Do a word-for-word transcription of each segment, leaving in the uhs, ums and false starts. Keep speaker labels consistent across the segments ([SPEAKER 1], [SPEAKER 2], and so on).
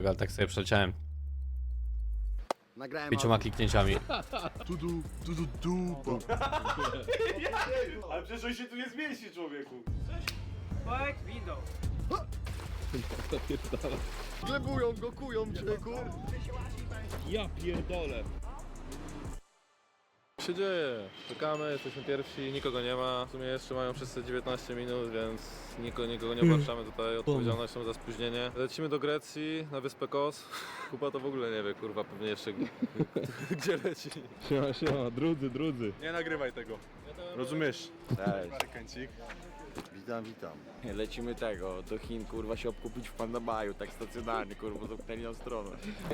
[SPEAKER 1] Ale tak sobie przeleciałem
[SPEAKER 2] Nagrałem
[SPEAKER 1] pięcioma kliknięciami.
[SPEAKER 2] Tu, du, tu, du, du, bo.
[SPEAKER 3] Ale przecież on się tu nie zmieści, człowieku.
[SPEAKER 4] Pojek windą.
[SPEAKER 2] Glebują go, kują człowieku.
[SPEAKER 3] Ja pierdolę.
[SPEAKER 5] Co się dzieje? Czekamy, jesteśmy pierwsi, nikogo nie ma. W sumie jeszcze mają wszyscy dziewiętnaście minut, więc nikogo, nikogo nie obarczamy tutaj odpowiedzialnością za spóźnienie. Lecimy do Grecji, na wyspę Kos. Kuba to w ogóle nie wie, kurwa, pewnie jeszcze gdzie leci.
[SPEAKER 3] Siema, siema, drudzy, drudzy. Nie nagrywaj tego. Rozumiesz?
[SPEAKER 2] Kęcik. Witam, witam.
[SPEAKER 6] Lecimy tego, do Chin, kurwa, się obkupić w Pandabaju, tak stacjonarnie, kurwa, zamknęli nam stronę.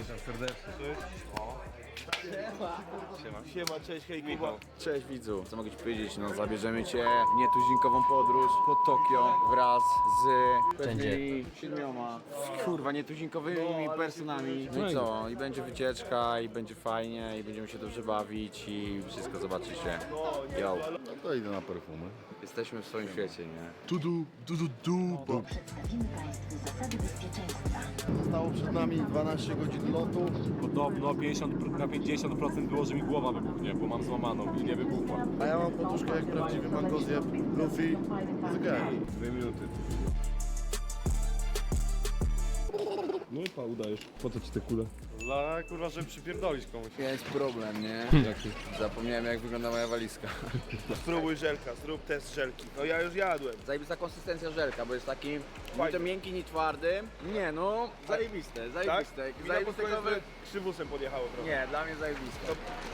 [SPEAKER 3] Siema, cześć, hej Kuba.
[SPEAKER 6] Cześć widzu, co mogę ci powiedzieć, no zabierzemy cię w nietuzinkową podróż po Tokio wraz z pewnymi siedmioma, kurwa, nietuzinkowymi personami. No i co, i będzie wycieczka, i będzie fajnie, i będziemy się dobrze bawić i wszystko zobaczycie. Yo,
[SPEAKER 2] No to idę na perfumy.
[SPEAKER 6] jesteśmy w swoim świecie, nie?
[SPEAKER 2] Tu, du, du, du, du, bo.
[SPEAKER 7] Przedstawimy Państwu zasady bezpieczeństwa.
[SPEAKER 2] Zostało przed nami dwanaście godzin lotu.
[SPEAKER 3] Podobno pięćdziesiąt na pięćdziesiąt procent było, że mi głowa wybuchnie, bo mam złamaną i nie wybuchła.
[SPEAKER 2] A ja mam poduszkę jak prawdziwy mangozjeb. Luffy. Zgaj.
[SPEAKER 3] Dwie minuty. No i pa, udajesz. Po co ci te kule? Dla, kurwa, żeby przypierdolić komuś.
[SPEAKER 6] Jest problem, nie? Zapomniałem, jak wygląda moja walizka.
[SPEAKER 8] Spróbuj żelka, zrób test żelki. No ja już jadłem.
[SPEAKER 6] Zajebista konsystencja żelka, bo jest taki ni to miękki, ni twardy. Nie no, zajebiste,
[SPEAKER 8] Tak?
[SPEAKER 6] zajebiste.
[SPEAKER 8] Mi na pod
[SPEAKER 6] Zajebiste
[SPEAKER 8] koniec
[SPEAKER 6] kowy...
[SPEAKER 8] krzywusem podjechało trochę.
[SPEAKER 6] Nie, dla mnie zajebiste.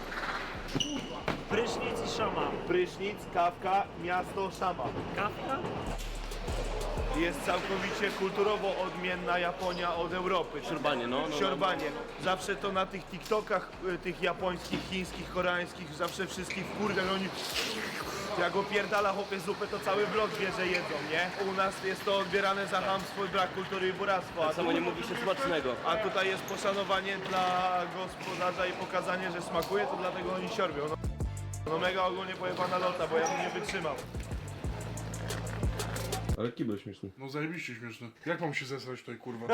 [SPEAKER 4] Prysznic i szama.
[SPEAKER 8] Prysznic, kawka, miasto, szama.
[SPEAKER 4] Kawka?
[SPEAKER 8] Jest całkowicie kulturowo odmienna Japonia od Europy.
[SPEAKER 3] Siorbanie, no. no,
[SPEAKER 8] Siorbanie. Zawsze to na tych TikTokach, y, tych japońskich, chińskich, koreańskich, zawsze wszystkich wkurwia, że oni... Jak opierdala chłopie zupę, to cały blok wie, że jedzą, nie? U nas jest to odbierane za chamstwo, brak kultury i buractwo. Tak
[SPEAKER 3] samo nie mówi się smacznego.
[SPEAKER 8] A tutaj jest poszanowanie dla gospodarza i pokazanie, że smakuje, to dlatego oni siorbią. No, no mega ogólnie pojebana lota, bo ja bym nie wytrzymał.
[SPEAKER 3] Ale kibel śmieszny.
[SPEAKER 9] No zajebiście śmieszne. Jak mam się zesrać tutaj, kurwa?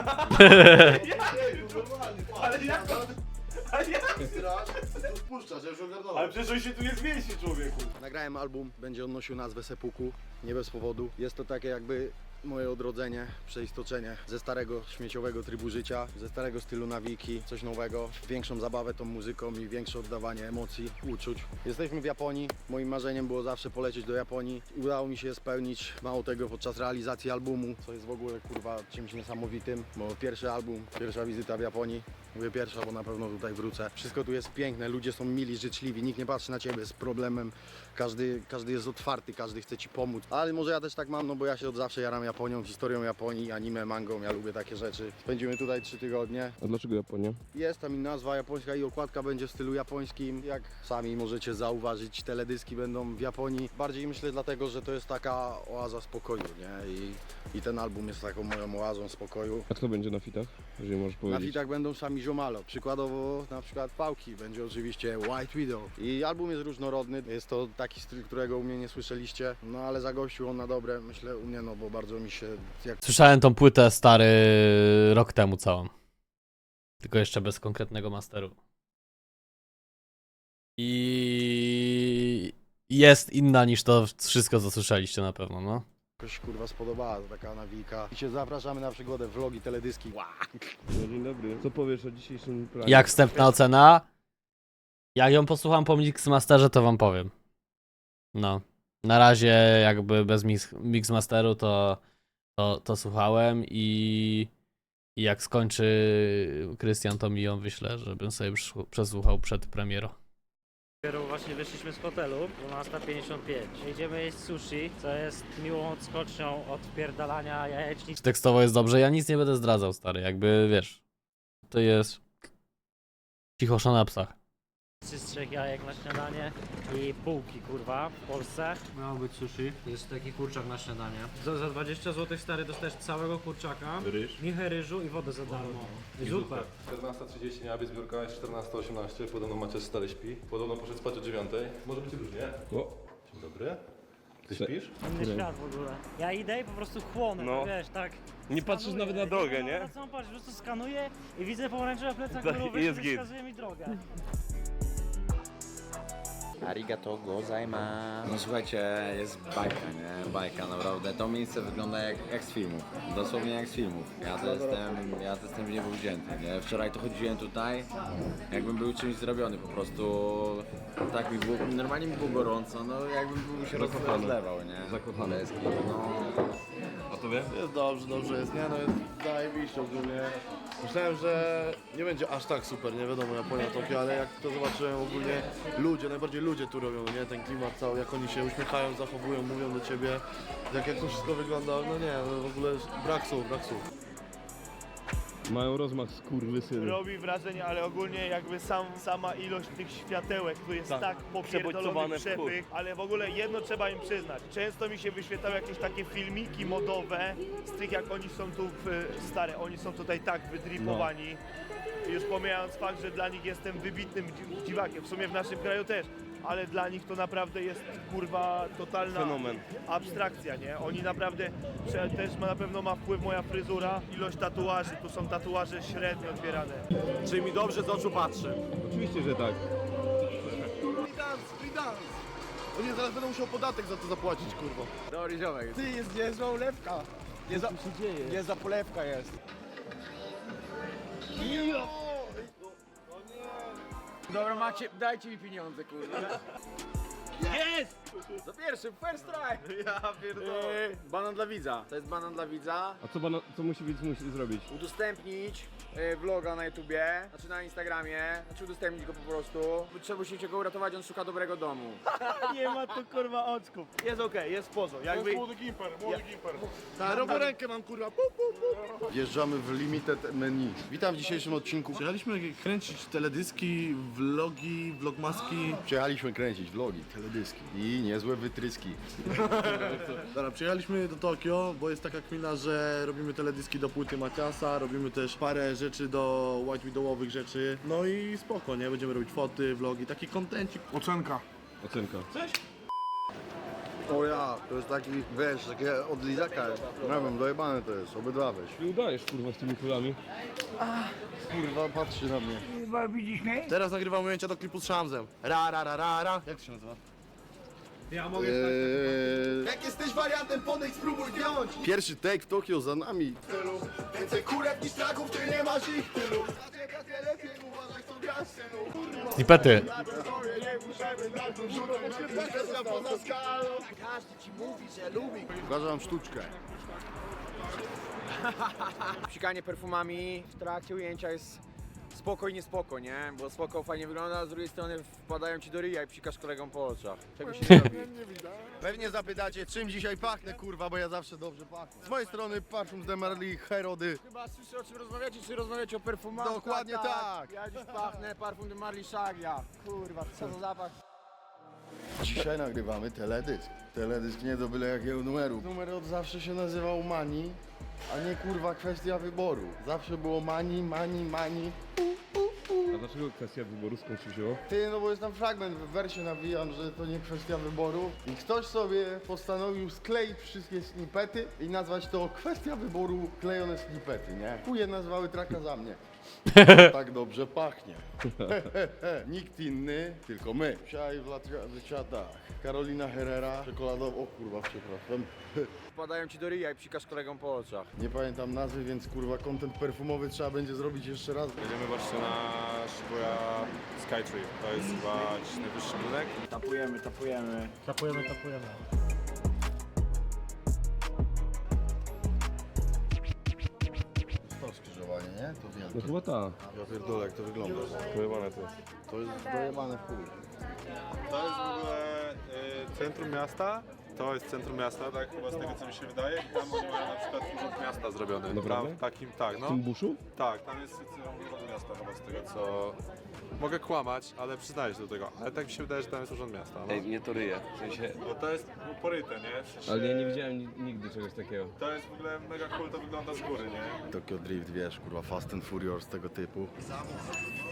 [SPEAKER 8] Ale jak to... Ale jak...
[SPEAKER 2] Puszczasz, ja już ogarnąłem.
[SPEAKER 3] Ale przecież on się tu nie zmieści, człowieku.
[SPEAKER 2] Nagrałem album, będzie on nosił nazwę Sepuku, nie bez powodu. Jest to takie jakby moje odrodzenie, przeistoczenie ze starego śmieciowego trybu życia, ze starego stylu nawiki, coś nowego, większą zabawę tą muzyką i większe oddawanie emocji, uczuć. Jesteśmy w Japonii, moim marzeniem było zawsze polecieć do Japonii i udało mi się je spełnić, mało tego podczas realizacji albumu, co jest w ogóle kurwa czymś niesamowitym, bo pierwszy album, pierwsza wizyta w Japonii, mówię pierwsza, bo na pewno tutaj wrócę. Wszystko tu jest piękne, ludzie są mili, życzliwi, nikt nie patrzy na ciebie z problemem, każdy, każdy jest otwarty, każdy chce ci pomóc, ale może ja też tak mam, no bo ja się od zawsze jaram Japonią, historią Japonii, anime, mangą, ja lubię takie rzeczy. Spędzimy tutaj trzy tygodnie.
[SPEAKER 3] A dlaczego Japonia?
[SPEAKER 2] Jest tam i nazwa japońska i okładka będzie w stylu japońskim. Jak sami możecie zauważyć, teledyski będą w Japonii. Bardziej myślę dlatego, że to jest taka oaza spokoju, nie? I, i ten album jest taką moją oazą spokoju.
[SPEAKER 3] A kto będzie na fitach? Jeżeli możesz
[SPEAKER 2] Na
[SPEAKER 3] powiedzieć.
[SPEAKER 2] fitach będą sami ziomalo. Przykładowo na przykład Pałki, będzie oczywiście White Widow. I album jest różnorodny, jest to taki styl, którego u mnie nie słyszeliście. No ale zagościł on na dobre, myślę u mnie, no bo bardzo mi się... Jak...
[SPEAKER 1] Słyszałem tą płytę stary rok temu całą. Tylko jeszcze bez konkretnego masteru. I jest inna niż to wszystko, co słyszeliście na pewno, no.
[SPEAKER 2] Jakoś kurwa spodobała, to taka nawika. I się zapraszamy na przygodę, vlogi, teledyski.
[SPEAKER 3] No, dzień dobry. Co powiesz o dzisiejszym planie?
[SPEAKER 1] Jak wstępna ocena? Jak ją posłucham po Mixmasterze, to wam powiem. No. Na razie jakby bez mix, Mixmasteru to, to, to słuchałem i, i jak skończy Krystian, to mi ją wyślę, żebym sobie przesłu- przesłuchał przed premierą.
[SPEAKER 4] Dopiero właśnie wyszliśmy z hotelu, dwunasta pięćdziesiąt pięć. Jedziemy jeść sushi, co jest miłą odskocznią od wpierdalania jajecznic.
[SPEAKER 1] Tekstowo jest dobrze, ja nic nie będę zdradzał, stary, jakby wiesz. To jest cichosza na psach.
[SPEAKER 4] Z trzech jajek na śniadanie i bułki, kurwa, w Polsce. Miało być sushi. Jest taki kurczak na śniadanie. Za, za dwadzieścia złotych, stary, dostajesz całego kurczaka,
[SPEAKER 3] Ryż.
[SPEAKER 4] michę ryżu i wodę za darmo. I zupę.
[SPEAKER 5] czternasta trzydzieści miała być zbiórka, jest czternasta osiemnaście, podobno Maciej stale śpi. Podobno poszedł spać o dziewiątej. Może być różnie.
[SPEAKER 3] O,
[SPEAKER 5] Dzień dobry.
[SPEAKER 3] Ty śpisz?
[SPEAKER 4] Inny świat w ogóle. Ja idę i po prostu chłonę,
[SPEAKER 3] No.
[SPEAKER 4] wiesz, tak.
[SPEAKER 3] Nie patrzysz
[SPEAKER 4] skanuję.
[SPEAKER 3] nawet na drogę,
[SPEAKER 4] Ja
[SPEAKER 3] nie?
[SPEAKER 4] Na co mam patrzeć, po prostu skanuję i widzę pomarańczowe plecak
[SPEAKER 3] Tak,
[SPEAKER 4] górowy,
[SPEAKER 3] jest
[SPEAKER 4] który
[SPEAKER 3] git.
[SPEAKER 4] wskazuje mi drogę.
[SPEAKER 6] Arigato gozaimasu. No słuchajcie, jest bajka, nie? Bajka, naprawdę. To miejsce wygląda jak, jak z filmów. Dosłownie jak z filmów. Ja to jestem, ja to jestem w niebo wzięty, nie? Wczoraj to chodziłem tutaj, jakbym był czymś zrobiony po prostu. Tak mi było, normalnie mi było gorąco, no jakbym był się roz-
[SPEAKER 3] Zakochany.
[SPEAKER 6] rozlewał, nie?
[SPEAKER 3] Zakochany.
[SPEAKER 6] Leski, no.
[SPEAKER 3] A tobie?
[SPEAKER 9] Jest dobrze, dobrze jest, nie no jest zajebiście ogólnie. Myślałem, że nie będzie aż tak super, nie wiadomo, Japonia, Tokio, ale jak to zobaczyłem ogólnie, ludzie, najbardziej ludzie tu robią, nie? Ten klimat cały, jak oni się uśmiechają, zachowują, mówią do ciebie, jak, jak to wszystko wygląda, no nie, no w ogóle brak słów, brak słów.
[SPEAKER 3] Mają rozmach skurwysyny.
[SPEAKER 8] Robi wrażenie, ale ogólnie jakby sam, sama ilość tych światełek tu jest
[SPEAKER 3] Tak.
[SPEAKER 8] tak,
[SPEAKER 3] Przebodźcowane
[SPEAKER 8] popierdolony
[SPEAKER 3] w chuj.
[SPEAKER 8] przepych, ale w ogóle jedno trzeba im przyznać. Często mi się wyświetlały jakieś takie filmiki modowe z tych jak oni są tu w, stare, oni są tutaj tak wydripowani. Już pomijając fakt, że dla nich jestem wybitnym dzi- dziwakiem, w sumie w naszym kraju też, ale dla nich to naprawdę jest kurwa totalna
[SPEAKER 3] Fenomen.
[SPEAKER 8] abstrakcja, nie? Oni naprawdę, że też ma, na pewno ma wpływ moja fryzura, ilość tatuaży, tu są tatuaże średnio odbierane.
[SPEAKER 2] Czy mi dobrze z oczu patrzy?
[SPEAKER 3] Oczywiście, że tak.
[SPEAKER 9] Free dance, free dance! O nie, zaraz będę musiał podatek za to zapłacić, kurwa.
[SPEAKER 6] Dobry ziomek. Ty, jest niezła ulewka. Nie za, niezła polewka jest. Dobra, macie, dajcie mi pieniądze, kurwa. Jest! Za pierwszy, first try!
[SPEAKER 8] Ja pierdolę.
[SPEAKER 6] Yy, banan dla widza. To jest banan dla widza.
[SPEAKER 3] A co, bana, co musi widz musi zrobić?
[SPEAKER 6] Udostępnić yy, vloga na YouTubie, znaczy na Instagramie, znaczy udostępnić go po prostu. Trzeba musicie go uratować, on szuka dobrego domu.
[SPEAKER 8] Nie ma tu kurwa oczków. Jest okej, jest pozo.
[SPEAKER 9] To
[SPEAKER 8] Jakby...
[SPEAKER 9] jest młody gimper, młody gimper. Tak, robię rękę mam, kurwa, pu, pu, pu. Wjeżdżamy w limited menu. Witam w dzisiejszym odcinku. Przyjechaliśmy kręcić teledyski, vlogi, vlogmaski. Przyjechaliśmy kręcić vlogi, teledyski i niezłe wytryski. Dobra, przyjechaliśmy do Tokio, bo jest taka kmina, że robimy teledyski do płyty Maciasa, robimy też parę rzeczy do White Widowowych rzeczy. No i spoko, nie? Będziemy robić foty, vlogi, taki kontencik. Ocenka.
[SPEAKER 3] Ocenka.
[SPEAKER 2] O ja, to jest taki, wiesz, takie od lizaka, nie wiem, dojebane to jest, obydwa weź.
[SPEAKER 3] Ty udajesz, kurwa, z tymi kulami.
[SPEAKER 2] Kurwa, patrzy na mnie. Kurwa, widzisz mnie? Teraz nagrywam ujęcia do klipu z Szamzem. Ra, ra, ra, ra, ra. Jak to się nazywa?
[SPEAKER 8] Ja mogę
[SPEAKER 2] Eee... Jak jesteś wariantem, podejdź, spróbuj wziąć! Pierwszy take w Tokio za nami. Więcej kurew niż traków, ty nie masz ich tylu. Lepiej uważaj, co grasz, synu.
[SPEAKER 1] Snipety.
[SPEAKER 2] Każdy ci mówi, że lubi. Uważam sztuczkę.
[SPEAKER 6] Psikanie perfumami w trakcie ujęcia jest spoko i niespoko, nie? Bo spoko fajnie wygląda, a z drugiej strony wpadają ci do ryja i psikasz kolegom po oczach. Czego się nie robi?
[SPEAKER 2] Pewnie zapytacie, czym dzisiaj pachnę, kurwa, bo ja zawsze dobrze pachnę. Z mojej strony parfum z Demerli Herody.
[SPEAKER 6] Chyba słyszę, o czym rozmawiacie, czy rozmawiacie o perfumach?
[SPEAKER 2] Dokładnie tak.
[SPEAKER 6] Ja dziś pachnę parfum de Marley Shaglia. Kurwa, co za zapach.
[SPEAKER 2] Dzisiaj nagrywamy teledysk. Teledysk nie do byle jakiego numeru. Numer od zawsze się nazywał Mani, a nie kurwa kwestia wyboru. Zawsze było Mani, Mani, Mani.
[SPEAKER 3] A dlaczego kwestia wyboru skąd się wzięło?
[SPEAKER 2] Ty, no bo jest tam fragment, w wersie nawijam, że to nie kwestia wyboru. I ktoś sobie postanowił skleić wszystkie snippety i nazwać to kwestia wyboru klejone snippety, nie? Chuje nazwały traka za mnie. Tak dobrze pachnie. Nikt inny, tylko my. Dzisiaj w latach Karolina Herrera, czekoladowa, o kurwa, przepraszam.
[SPEAKER 6] Wpadają ci do ryja i psikasz kolegom po oczach.
[SPEAKER 2] Nie pamiętam nazwy, więc kurwa content perfumowy trzeba będzie zrobić jeszcze raz.
[SPEAKER 5] Jedziemy właśnie na Shibuya Skytree. To jest chyba jakiś najwyższy budynek.
[SPEAKER 6] Tapujemy, tapujemy.
[SPEAKER 4] Tapujemy, tapujemy.
[SPEAKER 2] To skrzyżowanie, nie? To
[SPEAKER 3] No
[SPEAKER 2] wielkie.
[SPEAKER 3] chyba ta.
[SPEAKER 2] Ja pierdolę, jak to wygląda.
[SPEAKER 5] Pojebane to jest.
[SPEAKER 2] To jest dojebane w chuj.
[SPEAKER 5] To jest w ogóle y, centrum miasta. To jest centrum miasta, tak chyba z tego co mi się wydaje. I tam oni mają na przykład urząd miasta zrobiony.
[SPEAKER 3] Naprawdę?
[SPEAKER 5] Tam, takim, tak,
[SPEAKER 3] W
[SPEAKER 5] no.
[SPEAKER 3] tym buszu?
[SPEAKER 5] Tak, tam jest urząd miasta chyba z tego co... Mogę kłamać, ale przyznaję się do tego. Ale tak mi się wydaje, że tam jest urząd miasta. No.
[SPEAKER 3] Ej, mnie to ryje. W sensie...
[SPEAKER 5] Bo to jest poryte, nie? W sensie,
[SPEAKER 3] Ale ja nie widziałem ni- nigdy czegoś takiego.
[SPEAKER 5] To jest w ogóle mega cool, to wygląda z góry, nie?
[SPEAKER 2] Tokyo Drift, wiesz, kurwa, Fast and Furious tego typu.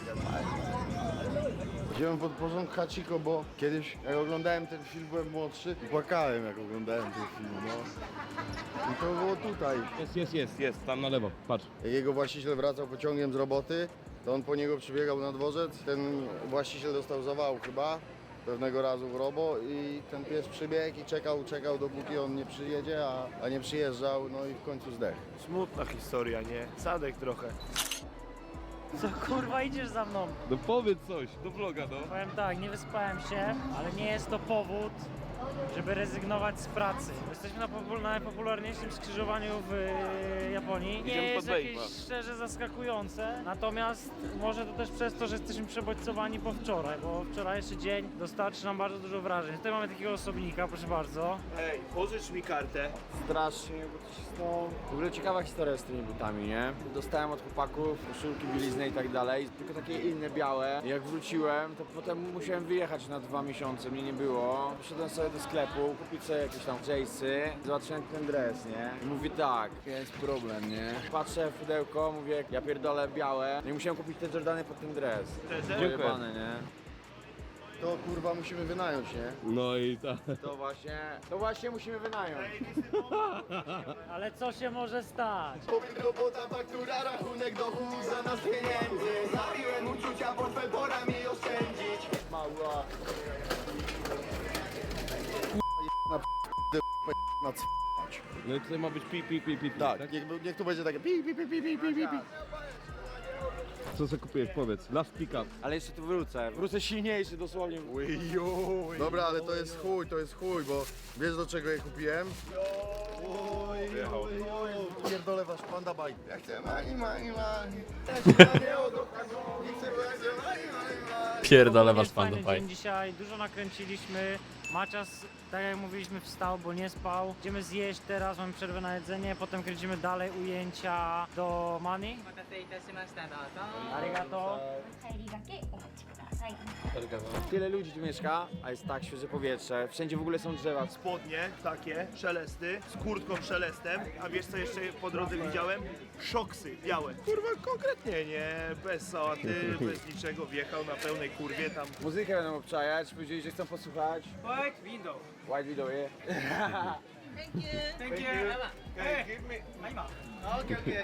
[SPEAKER 2] Wziąłem pod porządek Hachiko, bo kiedyś jak oglądałem ten film, byłem młodszy i płakałem jak oglądałem ten film, no. I to było tutaj.
[SPEAKER 3] Jest, jest, jest, jest, tam na lewo, patrz.
[SPEAKER 2] Jak jego właściciel wracał pociągiem z roboty, to on po niego przybiegał na dworzec. Ten właściciel dostał zawału chyba pewnego razu w robo i ten pies przybiegł i czekał, czekał dopóki on nie przyjedzie, a, a nie przyjeżdżał, no i w końcu zdechł.
[SPEAKER 8] Smutna historia, nie? Sadek trochę.
[SPEAKER 4] Co kurwa idziesz za mną?
[SPEAKER 3] No powiedz coś, do vloga, no.
[SPEAKER 4] Powiem tak, nie wyspałem się, ale nie jest to powód, żeby rezygnować z pracy. Jesteśmy na popul- najpopularniejszym skrzyżowaniu w e, Japonii. Nie
[SPEAKER 3] Idziemy
[SPEAKER 4] jest
[SPEAKER 3] pod
[SPEAKER 4] jakieś
[SPEAKER 3] Wave'a.
[SPEAKER 4] szczerze zaskakujące, natomiast może to też przez to, że jesteśmy przebodźcowani po wczoraj, bo wczorajszy dzień dostarczy nam bardzo dużo wrażeń. Tutaj mamy takiego osobnika, proszę bardzo.
[SPEAKER 8] Ej, pożycz mi kartę.
[SPEAKER 6] Strasznie, bo to się stało. W ogóle ciekawa historia z tymi butami, nie? Dostałem od chłopaków koszulki, bieliznę i tak dalej, tylko takie inne białe. Jak wróciłem, to potem musiałem wyjechać na dwa miesiące, mnie nie było. Poszedłem sobie do sklepu, kupić sobie jakieś tam jace'y, zobaczyłem ten dres, nie? I mówię tak, jest problem, nie? Patrzę w pudełko, mówię, ja pierdolę białe. No i musiałem kupić te Jordany pod ten dres. Pojebane, nie?
[SPEAKER 2] To kurwa musimy wynająć, nie?
[SPEAKER 3] No i tak.
[SPEAKER 6] To właśnie, to właśnie musimy wynająć.
[SPEAKER 4] Ale co się może stać?
[SPEAKER 2] Robota, faktura, rachunek, dochód, zamiast pieniędzy. Zabiłem uczucia, portfel, pora mi oszczędzić.
[SPEAKER 6] Mała.
[SPEAKER 2] Na c...
[SPEAKER 3] No i tutaj ma być pi, pi, pi, pi, pi,
[SPEAKER 2] Tak, niech, niech tu będzie takie pi, pi, pi, pi, pi, pi, pi, pi.
[SPEAKER 3] Co sobie kupiłeś, powiedz, last pick up.
[SPEAKER 6] Ale jeszcze tu wrócę, wrócę silniejszy dosłownie.
[SPEAKER 2] Dobra, ale to jest chuj, to jest chuj, bo wiesz do czego je kupiłem? Pierdolę wasz panda bike. Ja chcę mani, mani, mani.
[SPEAKER 1] Pierdolę wasz
[SPEAKER 4] Jest fajny
[SPEAKER 1] panda
[SPEAKER 4] dzień dzisiaj, dużo nakręciliśmy. Macias, tak jak mówiliśmy, wstał, bo nie spał. Idziemy zjeść teraz, mamy przerwę na jedzenie, potem kręcimy dalej ujęcia do Mani. Arigato.
[SPEAKER 6] Tyle ludzi tu mieszka, a jest tak świeże powietrze, wszędzie w ogóle są drzewa.
[SPEAKER 8] Spodnie takie, szelesty, z kurtką szelestem, a wiesz co jeszcze po drodze widziałem? Szoksy białe. Kurwa, konkretnie, nie? Bez sałaty, bez niczego, wjechał na pełnej kurwie tam.
[SPEAKER 6] Muzykę będą obczajać, powiedzieli, że chcą posłuchać.
[SPEAKER 8] White window.
[SPEAKER 6] White Widow, yeah.
[SPEAKER 8] Thank you. Hey, give me. Okay, okay.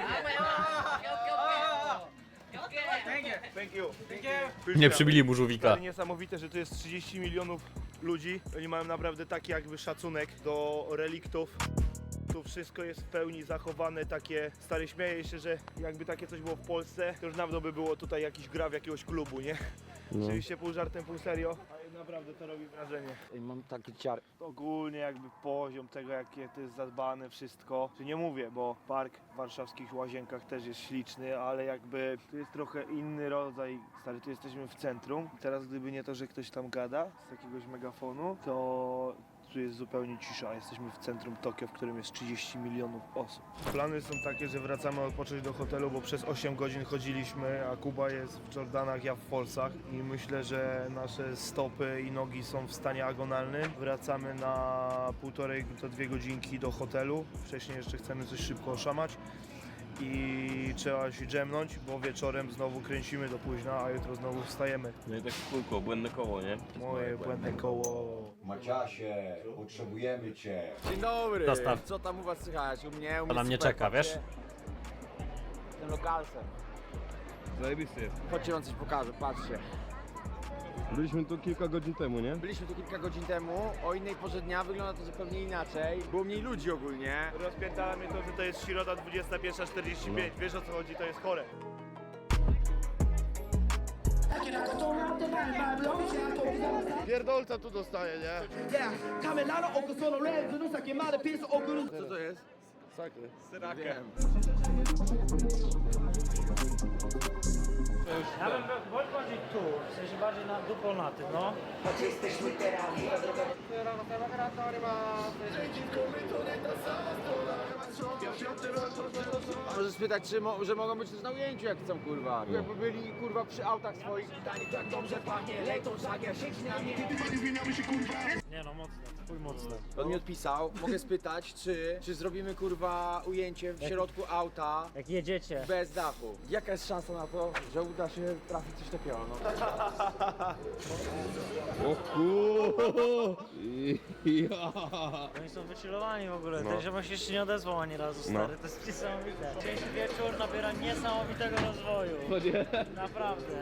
[SPEAKER 8] Thank you. Thank you.
[SPEAKER 1] Nie przybili mu żółwika.
[SPEAKER 8] Ale niesamowite, że tu jest trzydzieści milionów ludzi. Oni mają naprawdę taki jakby szacunek do reliktów. Tu wszystko jest w pełni zachowane, takie stary, śmieję się, że jakby takie coś było w Polsce, to już dawno by było tutaj jakiś gra w jakiegoś klubu, nie?
[SPEAKER 3] No.
[SPEAKER 8] Oczywiście pół żartem, pół serio, ale naprawdę to robi wrażenie.
[SPEAKER 6] I mam taki ciar.
[SPEAKER 8] Ogólnie jakby poziom tego, jakie to jest zadbane wszystko, czy nie mówię, bo park w warszawskich Łazienkach też jest śliczny, ale jakby to jest trochę inny rodzaj, stary, tu jesteśmy w centrum. Teraz gdyby nie to, że ktoś tam gada z jakiegoś megafonu, to tu jest zupełnie cisza. Jesteśmy w centrum Tokio, w którym jest trzydzieści milionów osób. Plany są takie, że wracamy odpocząć do hotelu, bo przez osiem godzin chodziliśmy, a Kuba jest w Jordanach, ja w Polsach i myślę, że nasze stopy i nogi są w stanie agonalnym. Wracamy na półtorej do dwie godzinki do hotelu. Wcześniej jeszcze chcemy coś szybko oszamać i trzeba się dżemnąć, bo wieczorem znowu kręcimy do późna, a jutro znowu wstajemy.
[SPEAKER 3] No i tak kółko, błędne koło, nie?
[SPEAKER 8] Moje błędne koło.
[SPEAKER 9] Maciasie, potrzebujemy cię.
[SPEAKER 6] Dzień dobry.
[SPEAKER 1] Dostaw.
[SPEAKER 6] Co tam u was słychać? U mnie, u mnie
[SPEAKER 1] na mnie
[SPEAKER 6] super,
[SPEAKER 1] czeka,
[SPEAKER 6] patrzcie.
[SPEAKER 1] wiesz?
[SPEAKER 6] Tym lokalsem.
[SPEAKER 3] Zajebisty jest.
[SPEAKER 6] Chodźcie, wam coś pokażę, patrzcie.
[SPEAKER 3] Byliśmy tu kilka godzin temu, nie?
[SPEAKER 6] Byliśmy tu kilka godzin temu, o innej porze dnia wygląda to zupełnie inaczej. Było mniej ludzi ogólnie.
[SPEAKER 8] Rozpierdala mnie to, że to jest środa dwudziesta pierwsza czterdzieści pięć. Wiesz o co chodzi, to jest chore.
[SPEAKER 2] Pierdolca tu dostaje, nie?
[SPEAKER 6] Co to jest?
[SPEAKER 2] Sakry.
[SPEAKER 6] Wiem.
[SPEAKER 4] Ja bym był, bądź bardziej bardziej tu, w sensie bardziej na dupą na tym, no.
[SPEAKER 6] Możesz spytać, czy mo że mogą być też na ujęciu, jak chcą, kurwa. Jakby byli, kurwa, przy autach swoich.
[SPEAKER 4] Nie no, mocne, chuj mocne.
[SPEAKER 6] On mi odpisał, mogę spytać, czy, czy zrobimy, kurwa, ujęcie w środku auta
[SPEAKER 4] Jak jedziecie.
[SPEAKER 6] bez dachu. Jaka jest szansa na to, że uda się trafić coś takiego, no?
[SPEAKER 3] O kurwa! Ja.
[SPEAKER 4] Oni są wychillowani w ogóle,
[SPEAKER 3] No.
[SPEAKER 4] ten ziomek się jeszcze nie odezwał ani razu, stary,
[SPEAKER 3] No.
[SPEAKER 4] to jest niesamowite. Dzisiejszy wieczór nabiera niesamowitego rozwoju.
[SPEAKER 3] No nie.
[SPEAKER 4] Naprawdę.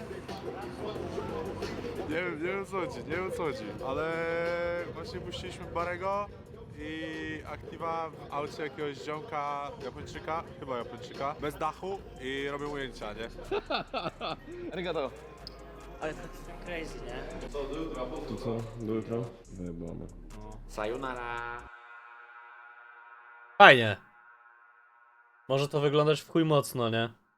[SPEAKER 10] Nie wiem, nie wiem co chodzi, nie wiem co chodzi, ale właśnie puściliśmy Barego i Aktiva w aucie jakiegoś ziomka Japończyka, chyba Japończyka, bez dachu i robią ujęcia, nie?
[SPEAKER 6] Arigato.
[SPEAKER 4] Ale to jest crazy, nie?
[SPEAKER 3] To co? Do jutra? Wyjebane.
[SPEAKER 6] Sayonara.
[SPEAKER 1] Fajnie. Może to wyglądać w chuj mocno, nie?